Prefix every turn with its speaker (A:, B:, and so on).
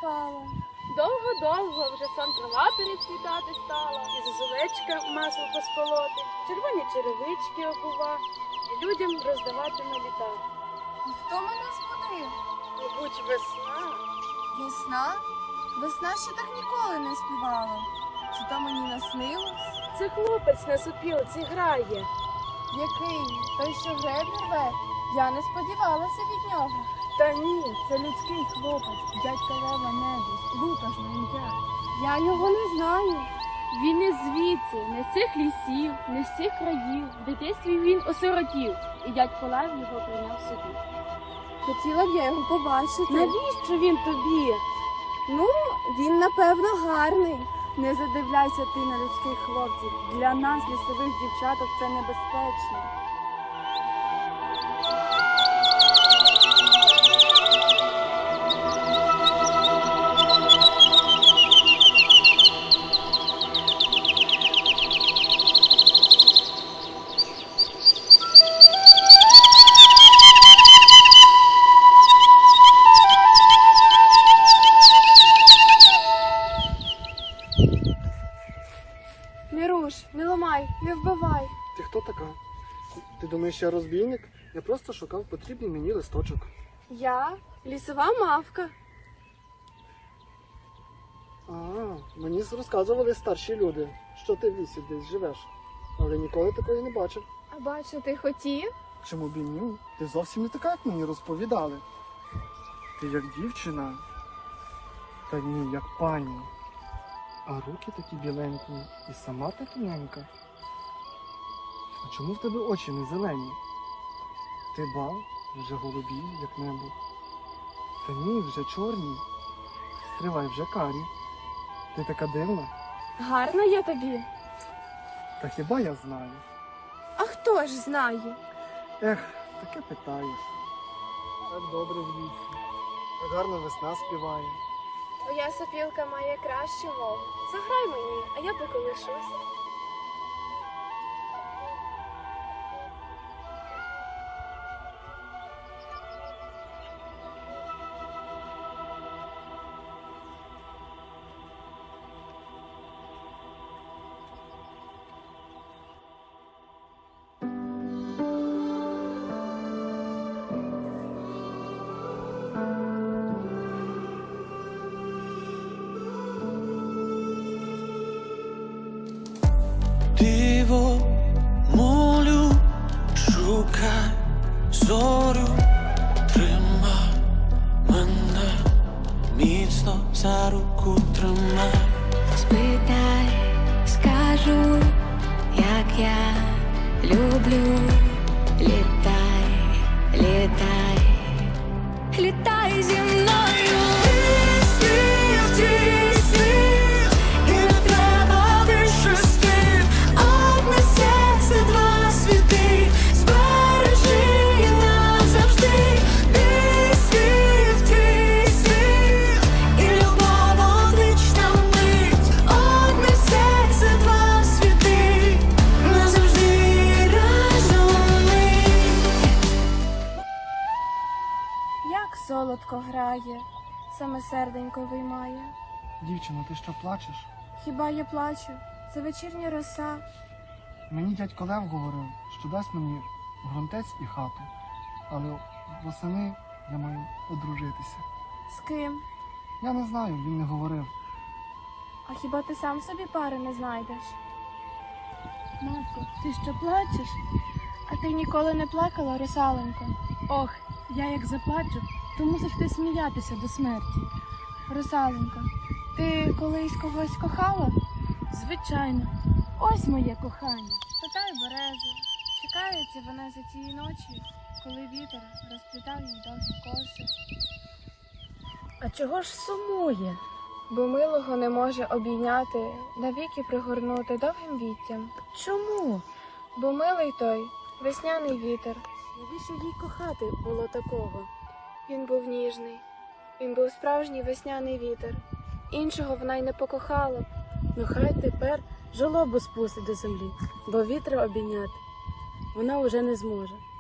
A: спала.
B: Довго-довго вже сон трава перецвітати стала, і зозулечка масло посполоти, червоні черевички обува, і людям роздавати на літа.
A: І хто мене збудив?
B: Мабуть, весна.
A: Весна? Весна ще так ніколи не співала. Чи то мені наснилось?
B: Це хлопець на сопілці грає.
A: Який? Той, що греблі рве? Я не сподівалася від нього.
B: Та ні,
A: Це людський хлопець, дядька Лева Небес, Лукаш на ім'я. Я його не знаю.
B: він не звідси, не з цих лісів, не з цих країв. В дитинстві він осиротів, і дядько Лев його прийняв собі.
A: Хотіла б я його побачити.
B: Навіщо він тобі?
A: Ну, він, напевно, гарний. Не задивляйся ти на людських хлопців. Для нас, лісових дівчаток, це небезпечно. Не руш, не ламай, не вбивай.
C: Ти хто така? Ти думаєш, я розбійник? Я просто шукав потрібний мені листочок.
A: Я лісова мавка.
C: А, мені розказували старші люди, що ти в лісі десь живеш. Але ніколи такої не бачив.
A: А бачу, ти хотів?
C: Чому б і ні? Ти зовсім не така, як мені розповідали. Ти як дівчина, та ні, як пані. А руки такі біленькі і сама та тоненька. А чому в тебе очі не зелені? Ти ба, вже голубі, як небо. Та ні, вже чорні. Стривай, вже карі. Ти така дивна.
A: Гарна я тобі.
C: Та хіба я знаю?
A: А хто ж знає?
C: Ех, таке питаєш. Так добре в лісі. Так гарно весна співає.
A: Твоя сопілка має кращу мову. Заграй мені, а я поколишуся.
D: Диво, молю, шукай зорю, тримай мене, міцно за руку тримай.
E: Спитай, скажу, як я люблю. Літай, літай, літай зі мною. Твій світ, і не треба більше слів. Одне серце, два світи, збережи назавжди. Мій світ, твій світ, і любов одвічна мить. Одне серце, два світи, назавжди разом ми.
A: Як солодко грає, саме серденько виймає.
C: Дівчино, ти що плачеш?
A: Хіба я плачу? Це вечірня роса.
C: Мені дядько Лев говорив, що дасть мені грунтець і хату. Але восени я маю одружитися.
A: З ким?
C: Я не знаю, він не говорив.
A: А хіба ти сам собі пари не знайдеш? Матко, ти що плачеш? А ти ніколи не плакала, русаленько?
B: Ох, я як заплачу, то мусиш ти сміятися до смерті.
A: Русаленько, ти колись когось кохала?
B: Звичайно, ось моє кохання.
A: Спитай березу, чекається вона за тієї ночі, коли вітер розплітав їй довгі коси.
B: А чого ж сумує?
A: Бо милого не може обійняти, навіки пригорнути довгим віттям.
B: Чому?
A: Бо милий той весняний вітер.
B: Навіщо їй кохати було такого?
A: Він був ніжний, він був справжній весняний вітер. Іншого вона й не покохала б.
B: Ну хай тепер жолобу спустить до землі, бо вітра обійняти вона уже не зможе.